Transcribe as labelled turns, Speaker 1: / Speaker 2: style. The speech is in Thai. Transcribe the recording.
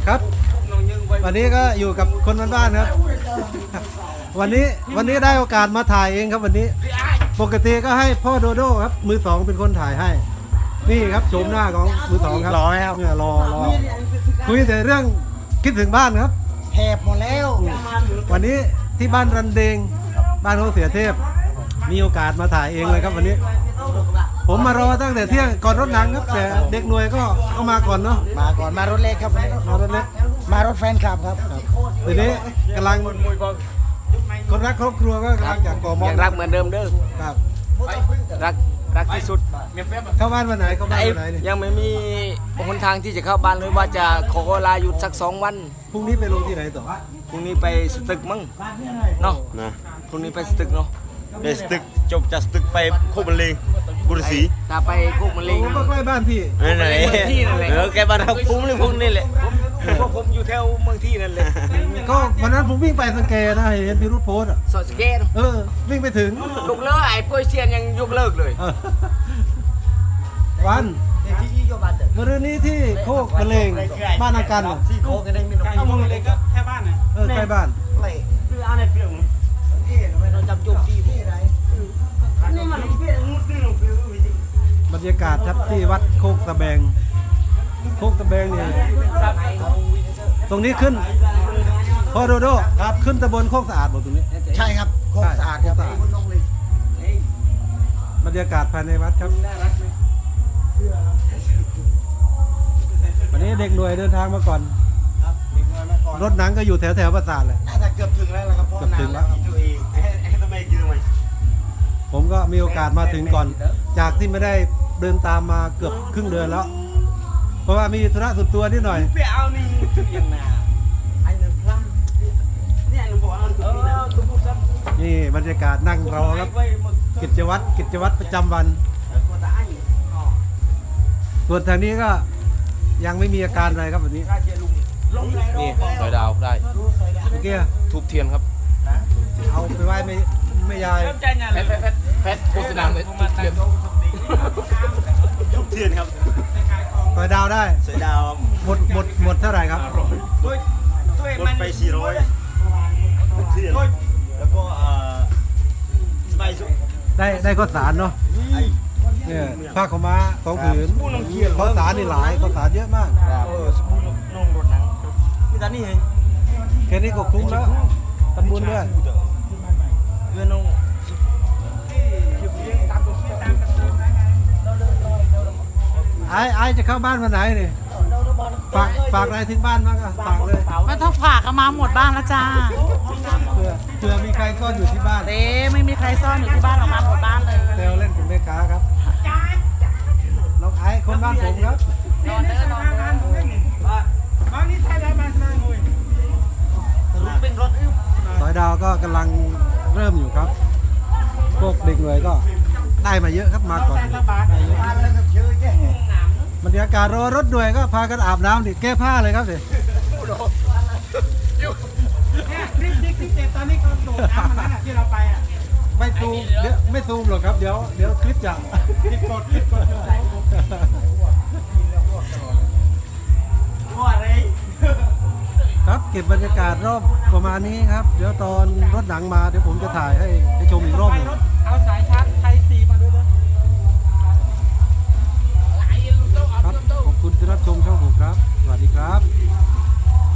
Speaker 1: ครับวันนี้ก็อยู่กับคนบ้านๆครับวันนี้ได้โอกาสมาถ่ายเองครับวันนี้ปกติก็ให้พ่อโดโด้ครับมือสองเป็นคนถ่ายให้นี่ครับโฉมหน้าของมือสองครับ
Speaker 2: รอไหมครับ
Speaker 1: เนี่ยรอคุยแต่เรื่องคิดถึงบ้านครับ
Speaker 2: แหบหมดแล้ว
Speaker 1: วันนี้ที่บ้านรันเดงบ้านเขาเสียเทพมีโอกาสมาถ่ายเองเลยครับวันนี้ผมมารอตั้งแต่เที่ยงก่อนรถหนังครับแต่เด็กหน่วยก็เข้ามาก่อนเนาะ
Speaker 2: มาก่อนมารถเล็กครับ
Speaker 1: มารถเล็ก
Speaker 2: มารถแฟนคลับครับ
Speaker 1: ทีนี้กำลังคนรักครอบครัวก็กำลังจากก่อมอ
Speaker 3: ยังรักเหมือนเดิมเด้อ
Speaker 1: ครับ
Speaker 3: รักที่สุด
Speaker 1: เข้าบ้านวันไหนเข้าบ้านวันไหนเนี่ย
Speaker 3: ยังไม่มีหนทางที่จะเข้าบ้านเลยว่าจะขอลาหยุดสัก2 วัน
Speaker 1: พรุ่งนี้ไปลงที่ไหนต่อ
Speaker 3: พรุ่งนี้ไปสตึกมั้งเนาะพรุ่งนี้ไปสตึกเนาะ
Speaker 4: ไปสตึกจบจากสตึกไปโคกมะเร็งบุรีศรี
Speaker 3: ถ้าไปโคกมะเร็ง
Speaker 1: ก็ใกล้บ้านพี่
Speaker 4: ไหนแกบ้านเราคุ้มเลยพวกนี้แหละ
Speaker 3: พวกผมอยู่แถวเมืองที่นั่นเลย
Speaker 1: ก็วันนั้นผมวิ่งไปสังเกตนะเห็นพี่รุธโพสอ่ะ
Speaker 3: สอดสเกต
Speaker 1: วิ่งไปถึง
Speaker 3: ยกเลิกไอ้ป่วยเซียนยังยกเลิกเลย
Speaker 1: วันเมื่อนี้ที่โคกมะเร็งบ้านอาการ
Speaker 2: ซี่โคกันได้ไม่น้อย
Speaker 5: โคกมะเร็งก็แค่บ้านน่ะ
Speaker 1: ใกล้บ้าน
Speaker 5: คือเอาในเปลือก
Speaker 2: เราจำจุดที่ไร
Speaker 5: นี่มันเปลือกงูตื้
Speaker 1: บรรยากาศครับที่วัดโคกตะแบงเนี่ยตรงนี้ขึ้นพ่อโดโด้ครับขึ้นตำบลโคกสะอาดบอกตรงนี้
Speaker 2: ใช่ครับโคกสะอาดครับ
Speaker 1: บรรยากาศภายในวัดครับวันนี้เด็กหน่วยเดินทางมาก่อนรถหนังก็อยู่แถวปราสาทเลย
Speaker 2: น่าจะเกือบถึงแล้วครับพ่อถึงแล้ว
Speaker 1: ผมก็มีโอกาสมาถึงก่อนจากที่ไม่ได้เดินตามมาเกือบครึ่งเดือนแล้วเพราะว่ามีธุระส่วนตัวนิดหน่อย
Speaker 5: ไปเอานี่ยังนาไอ้หนึ่งครั้งเนี่ยหนูบอกเอาตุ๊กซับ
Speaker 1: นี่บรรยากาศนั่งรอครับกิจวัตรประจำวันส่วนทางนี้ก็ยังไม่มีอาการอะไรครับวันนี้
Speaker 3: นี่สอยดาวได้
Speaker 1: เมื่อกี้
Speaker 3: ทูบเทียนครับ
Speaker 1: เอาไปไหว้ไม่ยาย
Speaker 3: แพทโฆษณาเลยทูบเทียน
Speaker 4: ทุกเทียนครับ
Speaker 1: สอยดาวได้
Speaker 4: สอยดาว
Speaker 1: หมดเท่าไหร่ครับ
Speaker 4: หมดไป400ทุกเทียนแล้วก็สบายสุด
Speaker 1: ได้ข้าวสารเนาะเนี่ยผ้าขาวม้า2 ผืนข้าวสารนี่หลายข้าวสารเยอะมาก
Speaker 4: สปูนนุ่งรถหนังมีแต่นี่เอง
Speaker 1: แค่นี้ก็คุ้มแล้วทำบุญด้วย
Speaker 4: เพื่อนนุ่ง
Speaker 1: ไอ้จะเข้าบ้านวันไหนนี่ฝากอะไรถึงบ้านบ้างอะฝากเลย
Speaker 6: ไม่ต้องฝากมาหมดบ้านแล้วจ้า
Speaker 1: เผื่อมีใครซ่อนอยู่ที่บ้าน
Speaker 6: ไม่มีใครซ่อนอยู่ที่บ้านออกมาหมดบ้านเลย
Speaker 1: เซลเล่นเป็นแม่ค้าครับน้องไอ้คนบ้านผมครับ
Speaker 6: นอน
Speaker 5: นี่ใช่ได้บ้านมาหน่อย
Speaker 2: เป็นรถ
Speaker 1: สอยดาวก็กำลังเริ่มอยู่ครับพวกเด็กหน่วยก็ได้มาเยอะครับมาก่อนบรรยากาศรอรถหน่วยก็พากันอาบน้ำดิแก้ผ้าเลยครับดิ
Speaker 5: คลิปตอนนี้เขาโดดน้ำมันนั่นที่เราไปอ่ะ
Speaker 1: ไม่ซูมเดี๋ยวไม่ซูมหรอกครับเดี๋ยวคลิปจะ
Speaker 5: คลิปกดว่าอะไร
Speaker 1: ครับเก็บบรรยากาศรอบประมาณนี้ครับเดี๋ยวตอนรถหนังมาเดี๋ยวผมจะถ่ายให้ชมอีกรอบหนึ่ง
Speaker 5: เอาสายชาร์จไทยซีมาด้วย
Speaker 1: นะครับขอบคุณที่รับชมช่องผมครับสวัสดีครับ